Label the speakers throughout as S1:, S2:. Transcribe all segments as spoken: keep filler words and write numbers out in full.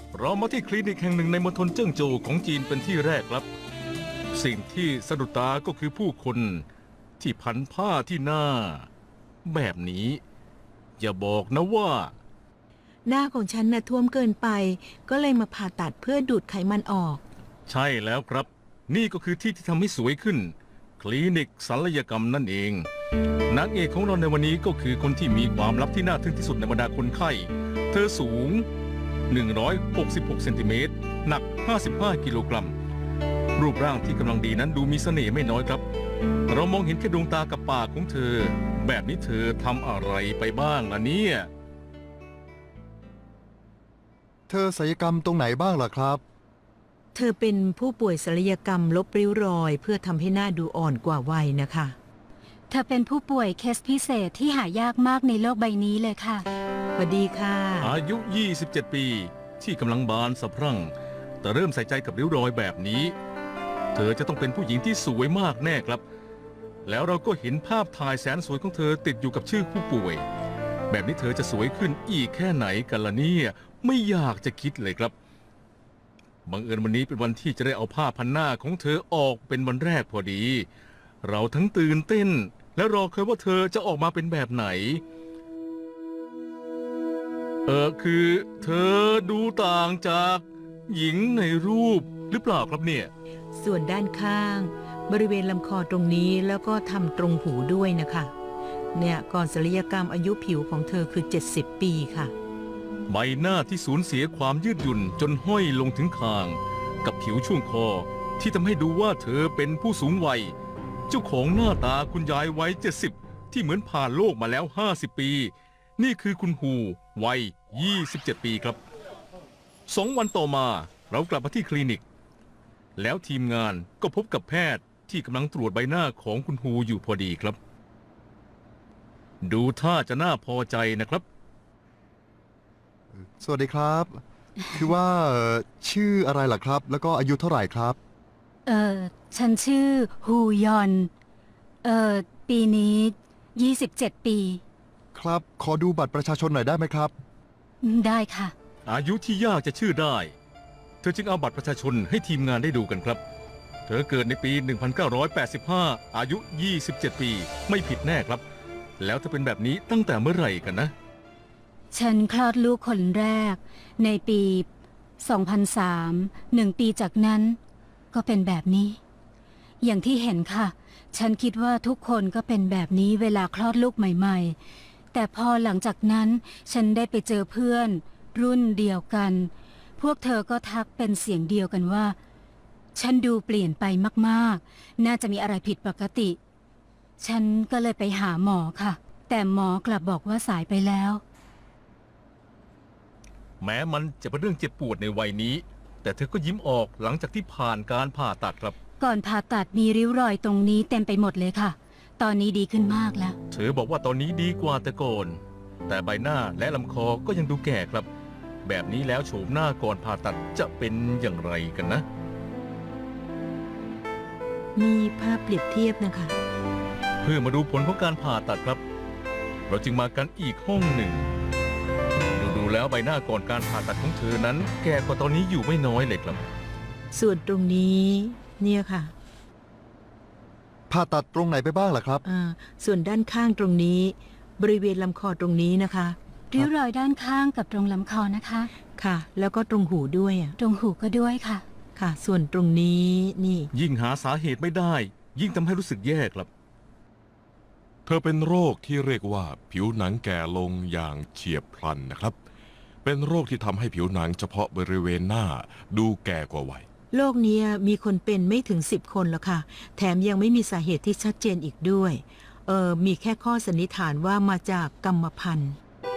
S1: เรามาที่คลินิกแห่งหนึ่งในมณฑลเจิ้งโจวของจีนเป็นที่แรกครับสิ่งที่สะดุดตาก็คือผู้คนที่พันผ้าที่หน้าแบบนี้อย่าบอกนะว่า
S2: หน้าของฉันน่ะท่วมเกินไปก็เลยมาผ่าตัดเพื่อดูดไขมันออก
S1: ใช่แล้วครับนี่ก็คือที่ที่ทำให้สวยขึ้นคลินิกศัลยกรรมนั่นเองนางเอกของเราในวันนี้ก็คือคนที่มีความลับที่น่าทึ่งที่สุดในบรรดาคนไข้เธอสูงหนึ่งร้อยหกสิบหกเซนติเมตรหนักห้าสิบห้ากิโลกรัมรูปร่างที่กำลังดีนั้นดูมีเสน่ห์ไม่น้อยครับเรามองเห็นแค่ดวงตากับปากของเธอแบบนี้เธอทำอะไรไปบ้างล่ะเนี่ย
S3: เธอศัลยกรรมตรงไหนบ้างล่ะครับ
S2: เธอเป็นผู้ป่วยศัลยกรรมลบริ้วรอยเพื่อทำให้หน้าดูอ่อนกว่าวัยนะคะ
S4: เธอเป็นผู้ป่วยเคสพิเศษที่หายากมากในโลกใบนี้เลยค่ะ
S2: สวัสดีค่ะ
S1: อายุยี่สิบเจ็ดปีที่กำลังบานสะพรั่งแต่เริ่มใส่ใจกับริ้วรอยแบบนี้เธอจะต้องเป็นผู้หญิงที่สวยมากแน่ครับแล้วเราก็เห็นภาพถ่ายแสนสวยของเธอติดอยู่กับชื่อผู้ป่วยแบบนี้เธอจะสวยขึ้นอีกแค่ไหนกันล่ะเนี่ยไม่อยากจะคิดเลยครับบังเอิญวันนี้เป็นวันที่จะได้เอาผ้าพันหน้าของเธอออกเป็นวันแรกพอดีเราทั้งตื่นเต้นและรอคอยว่าเธอจะออกมาเป็นแบบไหนเออคือเธอดูต่างจากหญิงในรูปหรือเปล่าครับเนี่ย
S2: ส่วนด้านข้างบริเวณลำคอตรงนี้แล้วก็ทำตรงหูด้วยนะคะเนี่ยก่อนศัลยกรรมอายุผิวของเธอคือเจ็ดสิบปีค่ะ
S1: ใบหน้าที่สูญเสียความยืดหยุ่นจนห้อยลงถึงคางกับผิวช่วงคอที่ทำให้ดูว่าเธอเป็นผู้สูงวัยเจ้าของหน้าตาคุณยายวัยเจ็ดสิบที่เหมือนผ่านโลกมาแล้วห้าสิบปีนี่คือคุณฮูวัยยี่สิบเจ็ดปีครับสองวันต่อมาเรากลับมาที่คลินิกแล้วทีมงานก็พบกับแพทย์ที่กำลังตรวจใบหน้าของคุณฮูอยู่พอดีครับดูท่าจะน่าพอใจนะครับ
S3: สวัสดีครับคือว่าชื่ออะไรล่ะครับแล้วก็อายุเท่าไหร่ครับ
S4: เออฉันชื่อฮูยอนเออปีนี้ยี่สิบเจ็ดปี
S3: ครับขอดูบัตรประชาชนหน่อยได้ไหมครับ
S4: ได้ค่ะ
S1: อายุที่ยากจะชื่อได้เธอจึงเอาบัตรประชาชนให้ทีมงานได้ดูกันครับเธอเกิดในปีหนึ่งพันเก้าร้อยแปดสิบห้าอายุยี่สิบเจ็ดปีไม่ผิดแน่ครับแล้วเธอเป็นแบบนี้ตั้งแต่เมื่อไหร่กันนะ
S4: ฉันคลอดลูกคนแรกในปีสองพันสาม หนึ่งปีจากนั้นก็เป็นแบบนี้อย่างที่เห็นค่ะฉันคิดว่าทุกคนก็เป็นแบบนี้เวลาคลอดลูกใหม่ๆแต่พอหลังจากนั้นฉันได้ไปเจอเพื่อนรุ่นเดียวกันพวกเธอก็ทักเป็นเสียงเดียวกันว่าฉันดูเปลี่ยนไปมากๆน่าจะมีอะไรผิดปกติฉันก็เลยไปหาหมอค่ะแต่หมอกลับบอกว่าสายไปแล้ว
S1: แม้มันจะเป็นเรื่องเจ็บปวดในวัยนี้แต่เธอก็ยิ้มออกหลังจากที่ผ่านการผ่าตัดครับ
S4: ก่อนผ่าตัดมีริ้วรอยตรงนี้เต็มไปหมดเลยค่ะตอนนี้ดีขึ้นมากแล้ว
S1: เธอบอกว่าตอนนี้ดีกว่าแต่ก่อนแต่ใบหน้าและลำคอก็ยังดูแก่ครับแบบนี้แล้วโฉมหน้าก่อนผ่าตัดจะเป็นอย่างไรกันนะ
S2: มีภาพเปรียบเทียบนะคะ
S1: เพื่อมาดูผลของการผ่าตัดครับเราจึงมากันอีกห้องหนึ่งดูแล้วใบหน้าก่อนการผ่าตัดของเธอนั้นแก่กว่าตอนนี้อยู่ไม่น้อยเลยครับ
S2: ส่วนตรงนี้เนี่ยค่ะ
S3: ผ่าตัดตรงไหนไปบ้างล่ะครับ
S2: อ่าส่วนด้านข้างตรงนี้บริเวณลำคอตรงนี้นะคะ
S4: ริ้วรอยด้านข้างกับตรงลำคอนะคะ
S2: ค่ะแล้วก็ตรงหูด้วยอ่ะ
S4: ตรงหูก็ด้วยค่ะ
S2: ค่ะส่วนตรงนี้นี่
S1: ยิ่งหาสาเหตุไม่ได้ยิ่งทำให้รู้สึกแย่ครับ
S5: เธอเป็นโรคที่เรียกว่าผิวหนังแก่ลงอย่างเฉียบพลันนะครับเป็นโรคที่ทำให้ผิวหนังเฉพาะบริเวณหน้าดูแก่กว่าวัย
S2: โรคนี้มีคนเป็นไม่ถึงสิบคนแล้วค่ะแถมยังไม่มีสาเหตุที่ชัดเจนอีกด้วยเออมีแค่ข้อสันนิษฐานว่ามาจากกรรมพันธุ์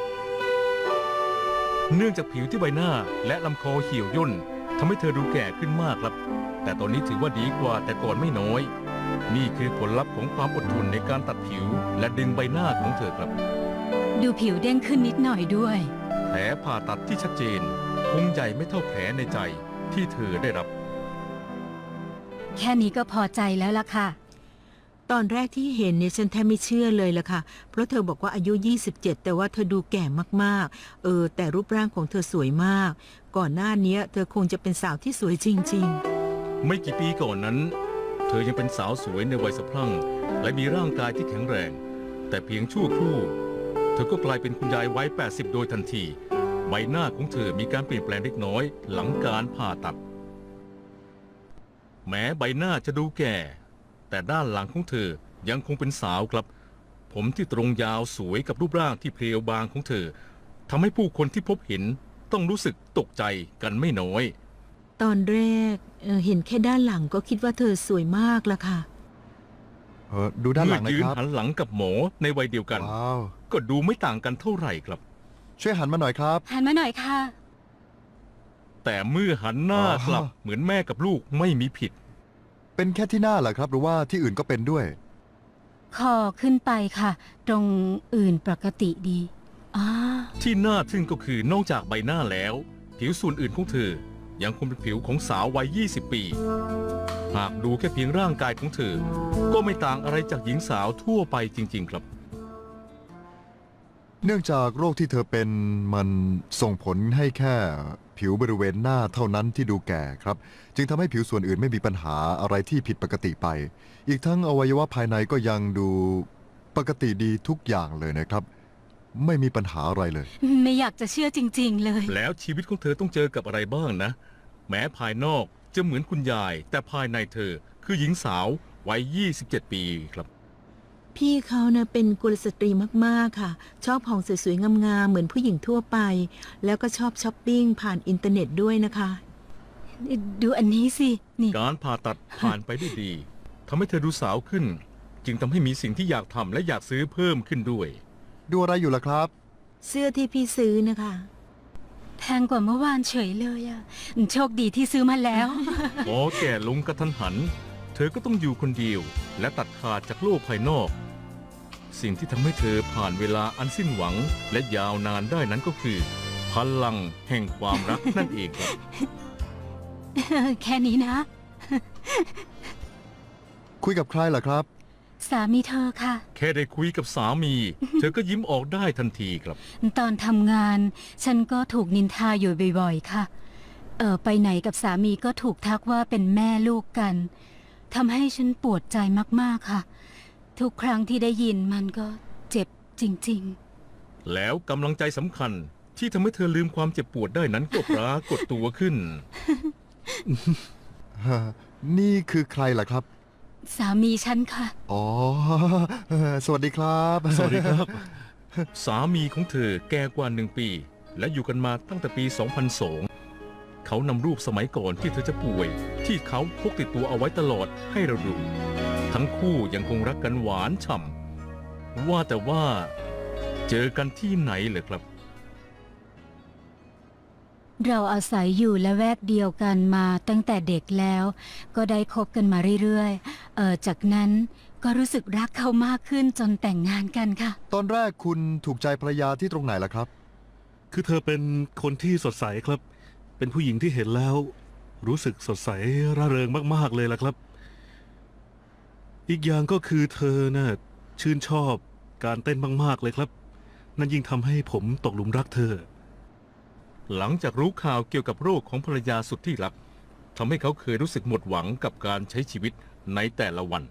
S1: เนื่องจากผิวที่ใบหน้าและลำคอเหี่ยวย่นทำให้เธอดูแก่ขึ้นมากครับแต่ตอนนี้ถือว่าดีกว่าแต่ก่อนไม่น้อยนี่คือผลลัพธ์ของความอดทนในการตัดผิวและดึงใบหน้าของเธอครับ
S4: ดูผิวเด้งขึ้นนิดหน่อยด้วย
S1: แผลผ่าตัดที่ชัดเจนคงใหญ่ไม่เท่าแผลในใจที่เธอได้รับ
S4: แค่นี้ก็พอใจแล้วล่ะค่ะ
S2: ตอนแรกที่เห็นเนี่ยฉันแทบไม่เชื่อเลยล่ะค่ะ เพราะเธอบอกว่าอายุ ยี่สิบเจ็ด แต่ว่าเธอดูแก่มากๆ เออ แต่รูปร่างของเธอสวยมาก ก่อนหน้านี้เธอคงจะเป็นสาวที่สวยจริง
S1: ไม่กี่ปีก่อนนั้น เธอยังเป็นสาวสวยในวัยสะพรั่ง และมีร่างกายที่แข็งแรง แต่เพียงชั่วครู่ เธอก็กลายเป็นคุณยายวัย แปดสิบ โดยทันที ใบหน้าของเธอมีการเปลี่ยนแปลงเล็กน้อยหลังการผ่าตัด แม้ใบหน้าจะดูแก่ แต่ด้านหลังของเธอยังคงเป็นสาวครับ ผมที่ตรงยาวสวยกับรูปร่างที่เพรียวบางของเธอทำให้ผู้คนที่พบเห็นต้องรู้สึกตกใจกันไม่น้อย
S2: ๆ ตอนแรกเอ่อเห็นแค่ด้านหลังก็คิดว่าเธอสวยมากละค่ะ
S3: เออดูด้านห
S1: เมื่
S3: ลั
S1: อง
S3: นะ
S1: ยืน
S3: ครับ
S1: หันหลังกับหมอในวัยเดียวกัน
S3: ว้าว
S1: ก็ดูไม่ต่างกันเท่าไหร่ครับ
S3: ช่วยหันมาหน่อยครับ
S4: หันมาหน่อยค่ะ
S1: แต่เมื่อหันหน้ากลับ
S3: อ๋อ
S1: เหมือนแม่กับลูกไม่มีผิด
S3: เป็นแค่ที่หน้าเหรอครับ หรือว่าที่อื่นก็เป็นด้วย
S4: คอขึ้นไปค่ะ ตรงอื่นปกติดีอ่า
S1: ที่น่าทึ่งก็คือนอกจากใบหน้าแล้ว ผิวส่วนอื่นของเธอ ยังคงเป็นผิวของสาววัย ยี่สิบ ปี หากดูแค่เพียงร่างกายของเธอ ก็ไม่ต่างอะไรจากหญิงสาวทั่วไปจริง ๆ ครับ
S3: เนื่องจากโรคที่เธอเป็นมันส่งผลให้แค่ผิวบริเวณหน้าเท่านั้นที่ดูแก่ครับ จึงทำให้ผิวส่วนอื่นไม่มีปัญหาอะไรที่ผิดปกติไป อีกทั้งอวัยวะภายในก็ยังดูปกติดีทุกอย่างเลยนะครับ ไม่มีปัญหาอะไรเลย
S4: ไม่อยากจะเชื่อจริง ๆ เลย
S1: แล้วชีวิตของเธอต้องเจอกับอะไรบ้างนะ แม้ภายนอกจะเหมือนคุณยาย แต่ภายในเธอคือหญิงสาววัย ยี่สิบเจ็ด ปีครับ
S2: พี่เขาเนะเป็นกุลสตรีมากๆค่ะ ชอบของสวยๆงามๆเหมือนผู้หญิงทั่วไป แล้วก็ชอบช้อปปิ้งผ่านอินเทอร์เน็ตด้วยนะคะ
S4: ดูอันนี้สิ นี่
S1: การผ่าตัดผ่านไปได้ดีทำให้เธอดูสาวขึ้น จึงทำให้มีสิ่งที่อยากทำและอยากซื้อเพิ่มขึ้นด้วย
S3: ดูอะไรอยู่ล่ะครับ
S2: เสื้อที่พี่ซื้อนะคะ
S4: แพงกว่าเมื่อวานเฉยเลยอะโชคดีที่ซื้อมาแล้ว
S1: พอแก่ลงกระทันหัน เธอก็ต้องอยู่คนเดียว และตัดขาดจากโลกภายนอก สิ่งที่ทำให้เธอผ่านเวลาอันสิ้นหวัง และยาวนานได้นั้นก็คือ พลังแห่งความรักนั่นเองครับ
S4: แค่นี้นะ
S3: คุยกับใครล่ะครับ
S4: สามีเธอค่ะ
S1: แค่ได้คุยกับสามี เธอก็ยิ้มออกได้ทันทีครับ
S4: ตอนทำงาน ฉันก็ถูกนินทาอยู่บ่อยๆ ค่ะ เออไปไหนกับสามีก็ถูกทักว่าเป็นแม่ลูกกันทำให้ฉันปวดใจมากๆค่ะ ทุกครั้งที่ได้ยินมันก็เจ็บจริง
S1: แล้วกำลังใจสำคัญที่ทำให้เธอลืมความเจ็บปวดได้นั้นก็ปรากฏตัวขึ้น
S3: นี่คือใครล่ะครับ
S4: ๆ สามีฉันค่ะ
S3: อ๋อ สวัสดีครับ
S1: สวัสดีครับ สามีของเธอแก่กว่าหนึ่งปี และอยู่กันมาตั้งแต่ปี สองพันสอง เขานำรูปสมัยก่อนที่เธอจะป่วย ที่เขาพกติดตัวเอาไว้ตลอดให้เราดู ทั้งคู่ยังคงรักกันหวานฉ่ำว่าแต่ว่าเจอกันที่ไหนเหรอครับ
S4: เราอาศัยอยู่ละแวกเดียวกันมาตั้งแต่เด็กแล้ว ก็ได้คบกันมาเรื่อยๆ เออจากนั้นก็รู้สึกรักเขามากขึ้นจนแต่งงานกันค่ะ
S3: ตอนแรกคุณถูกใจภรรยาที่ตรงไหนล่ะครับ
S6: คือเธอเป็นคนที่สดใสครับ เป็นผู้หญิงที่เห็นแล้ว รู้สึกสดใสร่าเริงมากๆเลยล่ะครับ อีกอย่างก็คือเธอน่ะชื่นชอบการเต้นมากๆเลยครับ นั่นยิ่งทำให้ผมตกหลุมรักเธอ
S1: หลังจากรู้ข่าวเกี่ยวกับโรคของภรรยาสุดที่รักทำให้เขาเคยรู้สึกหมดหวังกับการใช้ชีวิตในแต่ละวัน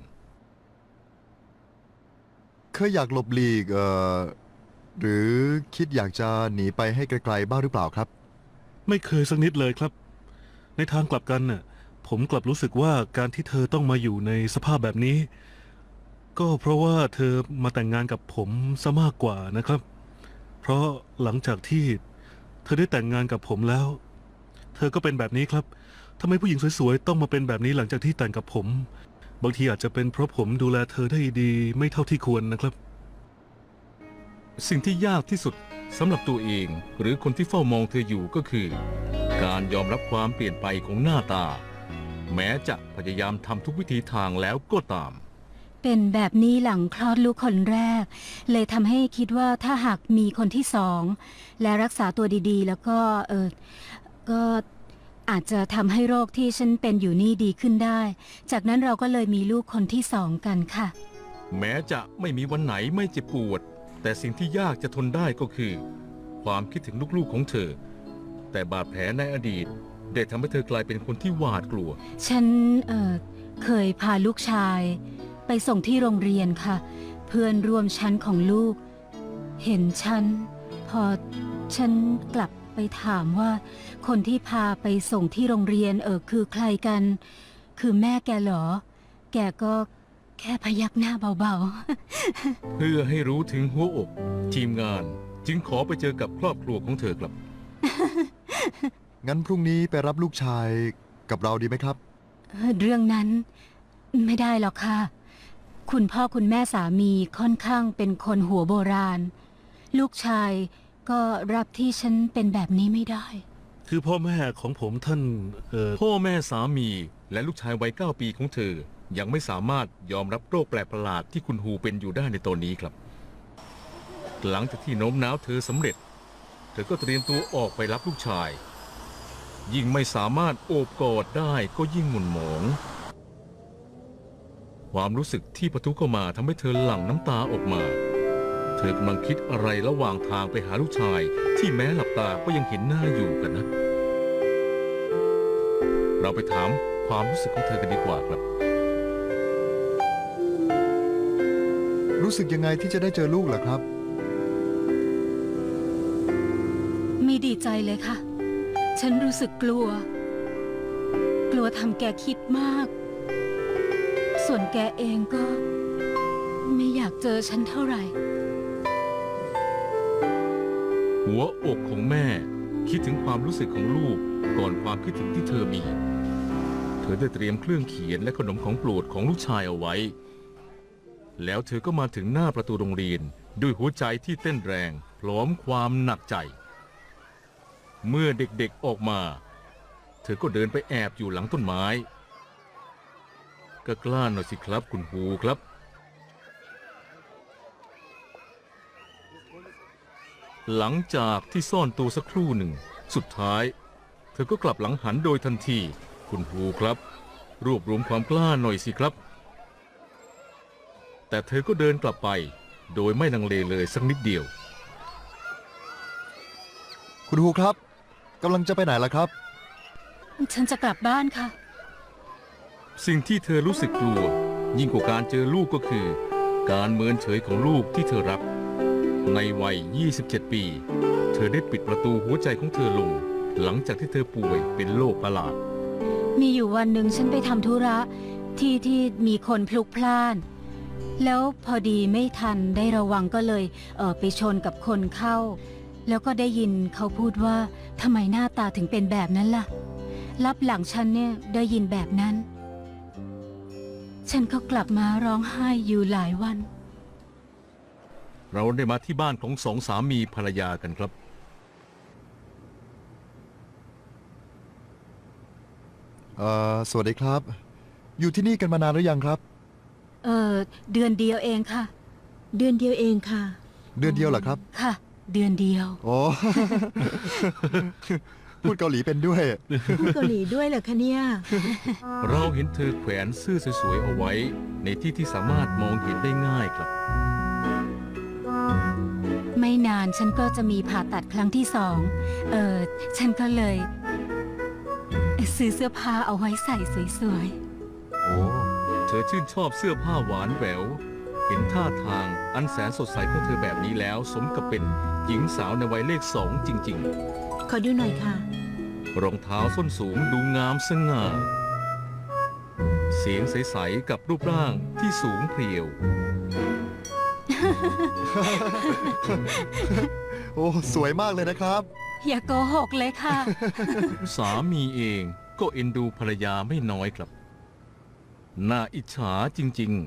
S3: เคยอยากหลบหลีกเอ่อหรือคิดอยากจะหนีไปให้ไกลๆบ้างหรือเปล่าครับ
S6: ไม่เคยสักนิดเลยครับ ในทางกลับกันน่ะผมกลับรู้สึกว่าการที่เธอต้องมาอยู่ในสภาพแบบนี้ ก็เพราะว่าเธอมาแต่งงานกับผมซะมากกว่านะครับ เพราะหลังจากที่เธอได้แต่งงานกับผมแล้ว เธอก็เป็นแบบนี้ครับทำไมผู้หญิงสวยๆต้องมาเป็นแบบนี้หลังจากที่แต่งกับผม บางทีอาจจะเป็นเพราะผมดูแลเธอได้ดีไม่เท่าที่ควรนะครับ
S1: สิ่งที่ยากที่สุดสำหรับตัวเองหรือคนที่เฝ้ามองเธออยู่ก็คือ การยอมรับความเปลี่ยนไปของหน้าตา แม้จะพยายามทำทุกวิธีทางแล้วก็ตาม
S4: เป็นแบบนี้หลังคลอดลูกคนแรก เลยทำให้คิดว่าถ้าหากมีคนที่สองและรักษาตัวดีๆ แล้วก็เออก็อาจจะทำให้โรคที่ฉันเป็นอยู่นี่ดีขึ้นได้ จากนั้นเราก็เลยมีลูกคนที่สองกันค่ะ
S1: แม้จะไม่มีวันไหนไม่เจ็บปวด แต่สิ่งที่ยากจะทนได้ก็คือ ความคิดถึงลูกๆของเธอ แต่บาดแผลในอดีตได้ทำให้เธอกลายเป็นคนที่หวาดกลัว
S4: ฉันเอ่อเคยพาลูกชาย ไปส่งที่โรงเรียนค่ะ เพื่อนร่วมชั้นของลูก เห็นฉัน พอฉันกลับไปถามว่า คนที่พาไปส่งที่โรงเรียนเออคือใครกัน คือแม่แกเหรอ แกก็แค่พยักหน้าเบาๆ
S1: เพื่อให้รู้ถึงหัวอก ทีมงานจึงขอไปเจอกับครอบครัวของเธอครับ
S3: งั้นพรุ่งนี้ไปรับลูกชายกับเราดีไหมครับ
S4: เรื่องนั้นไม่ได้หรอกค่ะ คุณพ่อคุณแม่สามีค่อนข้างเป็นคนหัวโบราณ ลูกชายก็รับที่ฉันเป็นแบบนี้ไม่ได้
S6: คือพ่อแม่ของผมท่านเอ่อ
S1: พ่อแม่สามีและลูกชายวัยเก้าปีของเธอ ยังไม่สามารถยอมรับโรคแปลกประหลาดที่คุณฮูเป็นอยู่ได้ในตอนนี้ครับ หลังจากที่โน้มน้าวเธอสำเร็จ เธอก็เตรียมตัวออกไปรับลูกชาย ยิ่งไม่สามารถโอบกอดได้ก็ยิ่งหม่นหมอง ความรู้สึกที่ปะทุเข้ามาทำให้เธอหลั่งน้ำตาออกมา เธอกำลังคิดอะไรระหว่างทางไปหาลูกชาย ที่แม้หลับตาก็ยังเห็นหน้าอยู่กันนะ เราไปถามความรู้สึกของเธอกันดีกว่าครับ
S3: รู้สึกยังไงที่จะได้เจอลูกล่ะครับ
S4: ไม่ดีใจเลยค่ะ ฉันรู้สึกกลัว กลัวทำแกคิดมาก ส่วนแกเองก็ ไม่อยากเจอฉันเท่าไหร่
S1: หัวอกของแม่คิดถึงความรู้สึกของลูกก่อนความคิดถึงที่เธอมี เธอได้เตรียมเครื่องเขียนและขนมของโปรดของลูกชายเอาไว้ แล้วเธอก็มาถึงหน้าประตูโรงเรียนด้วยหัวใจที่เต้นแรงพร้อมความหนักใจ เมื่อเด็กๆออกมา เธอก็เดินไปแอบอยู่หลังต้นไม้ ก็กล้าหน่อยสิครับคุณฮูครับ หลังจากที่ซ่อนตัวสักครู่หนึ่ง สุดท้าย เธอก็กลับหลังหันโดยทันที คุณฮูครับ รวบรวมความกล้าหน่อยสิครับ แต่เธอก็เดินกลับไป โดยไม่ลังเลเลยสักนิดเดียว
S3: คุณฮูครับกำลังจะไปไหนล่ะครับ
S4: ฉันจะกลับบ้านค่ะ
S1: สิ่งที่เธอรู้สึกกลัว ยิ่งกว่าการเจอลูกก็คือ การเมินเฉยของลูกที่เธอรัก ในวัย ยี่สิบเจ็ด ปี เธอได้ปิดประตูหัวใจของเธอลง หลังจากที่เธอป่วยเป็นโรคประหลาด
S4: มีอยู่วันหนึ่งฉันไปทำธุระที่ที่มีคนพลุกพล่าน แล้วพอดีไม่ทันได้ระวังก็เลยเออไปชนกับคนเข้า แล้วก็ได้ยินเขาพูดว่าทำไมหน้าตาถึงเป็นแบบนั้นล่ะ รับหลังฉันเนี่ยได้ยินแบบนั้น ฉันก็กลับมาร้องไห้อยู่หลายวัน
S1: เราได้มาที่บ้านของสองสามีภรรยากันครับ
S3: เอ่อ สวัสดีครับ อยู่ที่นี่กันมานานหรือยังครับ
S4: เออเดือนเดียวเองค่ะ
S2: เดือนเดียวเองค่ะ
S3: เดือนเดียวเหรอครับ
S4: ค่ะ เดือนเดียว
S3: โอ้ พูดเกาหลีเป็นด้วย
S2: พูดเกาหลีด้วยเหรอคะเนี่ย
S1: เราเห็นเธอแขวนเสื้อสวยๆเอาไว้ ในที่ที่สามารถมองเห็นได้ง่ายครับ
S4: ไม่นานฉันก็จะมีผ่าตัดครั้งที่สอง เออฉันก็เลย ซื้อเสื้อผ้าเอาไว้ใส่สวย
S3: โอ้
S1: เธอชื่นชอบเสื้อผ้าหวานแหวว เห็นท่าทางอันแสนสดใสของเธอแบบนี้แล้ว สมกับเป็นหญิงสาวในวัยเลขสองจริง
S2: ขอดูหน่อยค่ะ
S1: ๆ รองเท้าส้นสูงดูงามสง่า เสียงใสๆกับรูปร่างที่สูงเพรียว
S3: โอ้ สวยมากเลยนะครับ
S4: ๆ อย่าโกหกเลยค่ะ
S1: สามีเองก็เอ็นดูภรรยาไม่น้อยครับ น่าอิจฉาจริง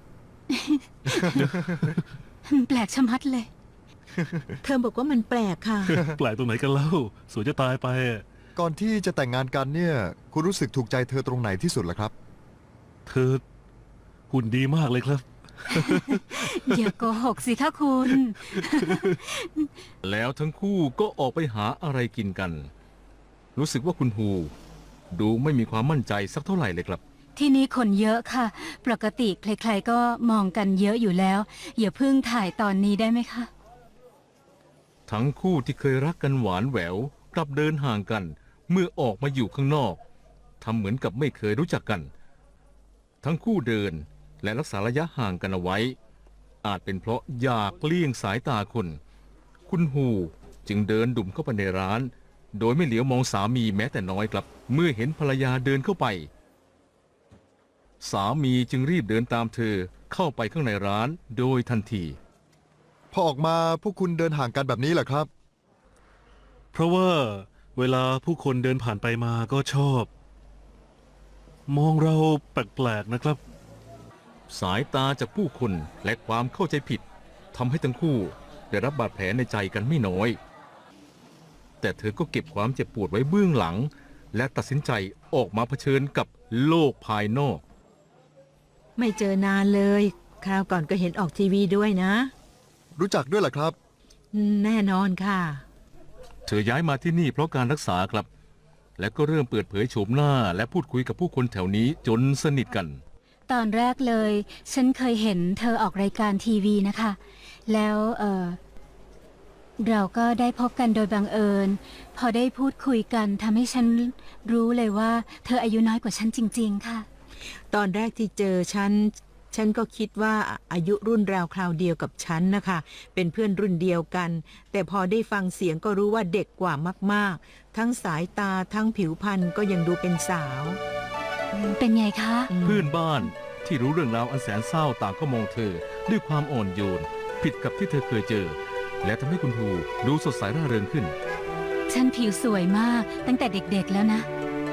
S4: แปลกชะมัดเลย
S2: เธอบอกว่ามันแปลกค่ะ
S6: แปลกตรงไหนกันเล่า สวยจะตายไปอะ
S3: ก่อนที่จะแต่งงานกันเนี่ย คุณรู้สึกถูกใจเธอตรงไหนที่สุดล่ะครับ
S6: เธอหุ่นดีมากเลยครับ
S4: อย่าโกหกสิคะคุณ
S1: ๆ แล้วทั้งคู่ก็ออกไปหาอะไรกินกัน รู้สึกว่าคุณฮูดูไม่มีความมั่นใจสักเท่าไหร่เลยครับ
S4: ที่นี่คนเยอะค่ะ ปกติใครๆก็มองกันเยอะอยู่แล้ว อย่าเพิ่งถ่ายตอนนี้ได้ไหมคะ
S1: ทั้งคู่ที่เคยรักกันหวานแหววกลับเดินห่างกันเมื่อออกมาอยู่ข้างนอกทำเหมือนกับไม่เคยรู้จักกัน ทั้งคู่เดินและรักษาระยะห่างกันเอาไว้ อาจเป็นเพราะอยากเลี่ยงสายตาคน คุณฮูจึงเดินดุ่มเข้าไปในร้าน โดยไม่เหลียวมองสามีแม้แต่น้อยครับ เมื่อเห็นภรรยาเดินเข้าไป สามีจึงรีบเดินตามเธอเข้าไปข้างในร้านโดยทันที
S3: พอออกมาพวกคุณเดินห่างกันแบบนี้เหรอครับ
S6: เพราะว่าเวลาผู้คนเดินผ่านไปมาก็ชอบ มองเราแปลกๆนะครับ
S1: สายตาจากผู้คนและความเข้าใจผิดทำให้ทั้งคู่ได้รับบาดแผลในใจกันไม่น้อย แต่เธอก็เก็บความเจ็บปวดไว้เบื้องหลัง และตัดสินใจออกมาเผชิญกับโลกภายนอก
S2: ไม่เจอนานเลย คราวก่อนก็เห็นออกทีวีด้วยนะ
S3: รู้จักด้วยเหรอครับ
S2: แน่นอนค่ะ
S1: เธอย้ายมาที่นี่เพราะการรักษาครับ และก็เริ่มเปิดเผยโฉมหน้าและพูดคุยกับผู้คนแถวนี้จนสนิทกัน
S4: ตอนแรกเลย ฉันเคยเห็นเธอออกรายการทีวีนะคะ แล้วเออเราก็ได้พบกันโดยบังเอิญ พอได้พูดคุยกันทำให้ฉันรู้เลยว่า เธออายุน้อยกว่าฉันจริงๆค่ะ
S2: ตอนแรกที่เจอฉัน ฉันก็คิดว่าอายุรุ่นราวคราวเดียวกับฉันนะคะ เป็นเพื่อนรุ่นเดียวกัน แต่พอได้ฟังเสียงก็รู้ว่าเด็กกว่ามากๆ ทั้งสายตาทั้งผิวพรรณก็ยังดูเป็นสาว
S4: เป็นไงคะ
S2: อืม
S1: เพื่อนบ้านที่รู้เรื่องราวอันแสนเศร้าต่างก็มองเธอด้วยความอ่อนโยน ผิดกับที่เธอเคยเจอ และทำให้คุณฮูดูสดใสร่าเริงขึ้น
S4: ฉันผิวสวยมากตั้งแต่เด็กๆแล้วนะ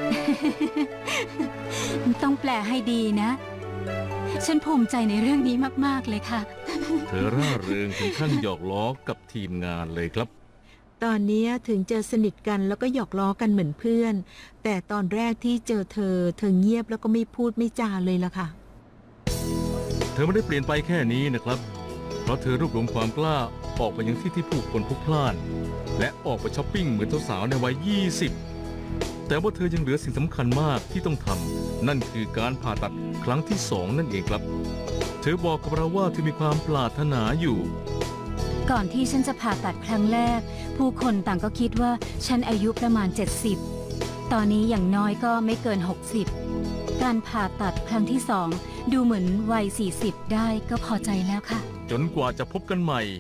S4: ต้องแปลให้ดีนะ ฉันภูมิใจในเรื่องนี้มากๆเลยค่ะ
S1: เธอร่าเริงถึงขั้นหยอกล้อกับทีมงานเลยครับ
S2: ตอนนี้ถึงจะสนิทกันแล้วก็หยอกล้อกันเหมือนเพื่อน แต่ตอนแรกที่เจอเธอ เธอเงียบแล้วก็ไม่พูดไม่จาเลยล่ะค่ะ
S1: เธอไม่ได้เปลี่ยนไปแค่นี้นะครับ เพราะเธอรวบรวมความกล้าออกไปยังที่ที่ผู้คนพลุกพล่าน และออกไปช้อปปิ้งเหมือนสาวๆในวัย ยี่สิบ แต่ว่าเธอยังเหลือสิ่งสำคัญมากที่ต้องทำ นั่นคือการผ่าตัดครั้งที่สองนั่นเองครับ เธอบอกกับเราว่าเธอมีความปรารถนาอยู่
S4: ก่อนที่ฉันจะผ่าตัดครั้งแรก ผู้คนต่างก็คิดว่าฉันอายุประมาณ เจ็ดสิบ ตอนนี้อย่างน้อยก็ไม่เกิน หกสิบ การผ่าตัดครั้งที่สองดูเหมือนวัย สี่สิบ ได้ก็พอใจแล้วค่ะ
S1: จนกว่าจะพบกันใหม่